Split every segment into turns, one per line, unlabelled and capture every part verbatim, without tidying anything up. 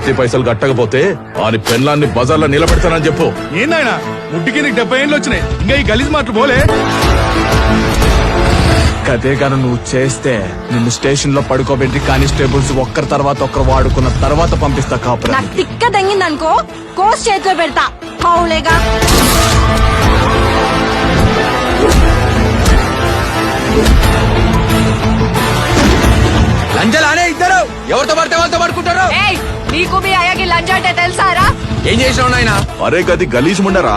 చిట్టి పైసలు కట్టకపోతే ఆని పెన్లాన్ని బజార్లో నిలబెడతానని చెప్పు.
ఏందాయన ముట్టికి నీకు డెబ్బై ఏళ్ళు వచ్చినాయి, ఇంకా ఈ గలీజ్ మాటలు పోలే.
కదే గాను నువ్వు చేస్తే నిన్ను స్టేషన్ లో పడుకోబెట్టి కానిస్టేబుల్స్ ఒక్కరి తర్వాత ఒక్కరు వాడుకున్న తర్వాత పంపిస్తా కాపురా.
నాకు తిక్క దంగిందనుకో కోస్ చేతిలో పెడతా. హౌలేగా
లంజలానే ఇద్దరు ఎవరితో పడితే వాళ్ళతో పడుకుంటారు.
నీకు మీ అయ్యకి లంచ్ అంటే తెలుసారా?
ఏం చేసినావు నాయనా?
అరే గది గలీజ్ ముండరా.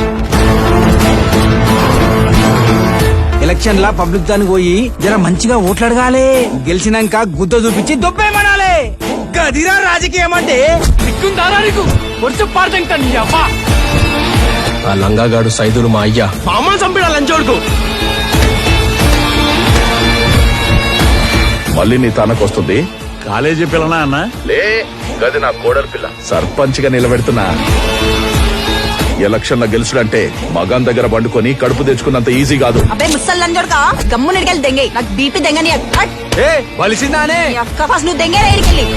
ఎలక్షన్ లా పబ్లిక్ దానికి పోయి జర మంచిగా ఓట్లాడగాలి. గెలిచినాక గుద్ద చూపించి దొబ్బేమనాలి. గదిరా రాజకీయం అంటే.
ఆ లంగాగాడు సైదులు మా అయ్యా మా అమ్మని చంపిడా లంచోడుకు.
మళ్ళీ నీ తనకొస్తుంది.
కాలేజీ పిల్లనా అన్న?
లే గది నా కోడలి పిల్ల. సర్పంచ్ గా నిలబెడుతున్నా. ఎలక్షన్ లో గెలుచుడంటే మగాన్ దగ్గర పండుకొని కడుపు తెచ్చుకున్నంత ఈజీ కాదు.
అబ్బాయి ముసల్ లంచోడుకా గమ్ము నిడికెళ్ళి దెంగే. నాకు బీపీ దెంగని
వలిసిందానే
అక్క ఫస్ట్ నువ్వు దెంగే రేడికెళ్ళి.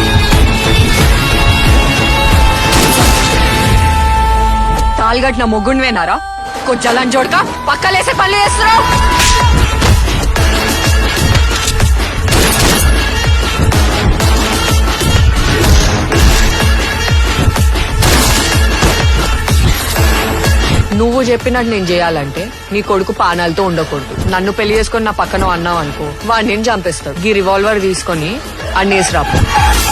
తాల్గట్టిన మొగ్గుండివేనారా? కొంచెం లంచోడుకా పక్కలేసే పనులు చేస్తున్నావు. నువ్వు చెప్పినట్టు నేను చేయాలంటే నీ కొడుకు పానాలతో ఉండకూడదు. నన్ను పెళ్లి చేసుకుని నా పక్కన అన్నావు అనుకో వాడు నేను చంపేస్తాడు. ఈ రివాల్వర్ తీసుకొని అన్నేసి రాపు.